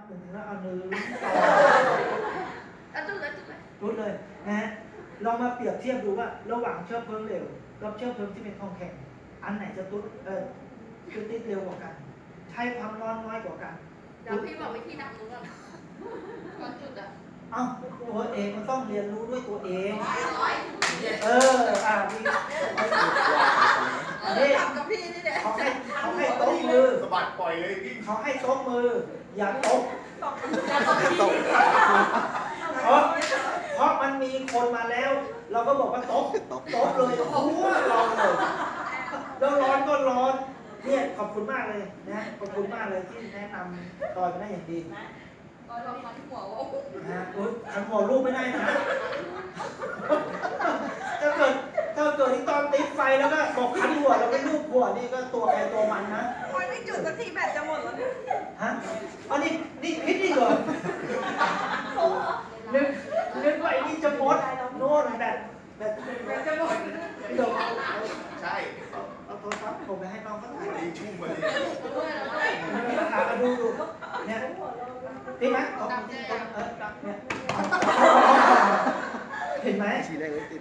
หนึ่งแล้วเอาหนึ่งจุดเลยจุดเลยจุดเลยนะฮะลองมาเปรียบเทียบดูว่าระหว่างเชื้อเพลิงเหลวกับเชื้อเพลิงที่เป็นทองแข็งอันไหนจะจุดติดเร็วกว่ากันใช้ความร้อนน้อยกว่ากันเดี๋ยวพี่บอกวิธีดับรู้ก่อนก่อนจุดอ่ะเอ้าตัวเองมันต้องเรียนรู้ด้วยตัวเองร้อยพี่นี่ทำกับพี่นี่แหละเขาให้โต๊ะมือสะบัดปล่อยเลยพี่เขาให้โต๊ะมืออย่าโต๊ะ เพราะมันมีคนมาแล้ว เราก็บอกว่าโต๊ะเลยหัวเราเลยแล้วร้อนก็ร้อนเนี่ยขอบคุณมากเลยนะขอบคุณมากเลยที่แนะนำตอนมาได้อย่างดีตอนเราฟันหัวว่านะขันหัวลูกไม่ได้นะถ้าเกิดที่ตอนติดไฟแล้วก็บอกขันหัวแล้วก็ลูกหัวนี่ก็ตัวใครตัวมันนะมันไม่จุดสักทีแบตจะหมดแล้วเนี่ยฮะอันนี้พิษนี่เหรอนึกว่าไอ้นี่จะหมดโน่นแบบจะหมดเดี๋ยวใช่เอาโทรศัพท์ผมไปให้น้องเขาถ่ายวันนี้ชุ่มมาเลยดูเนี่ยติดไหมเนี่ยเห็นไหม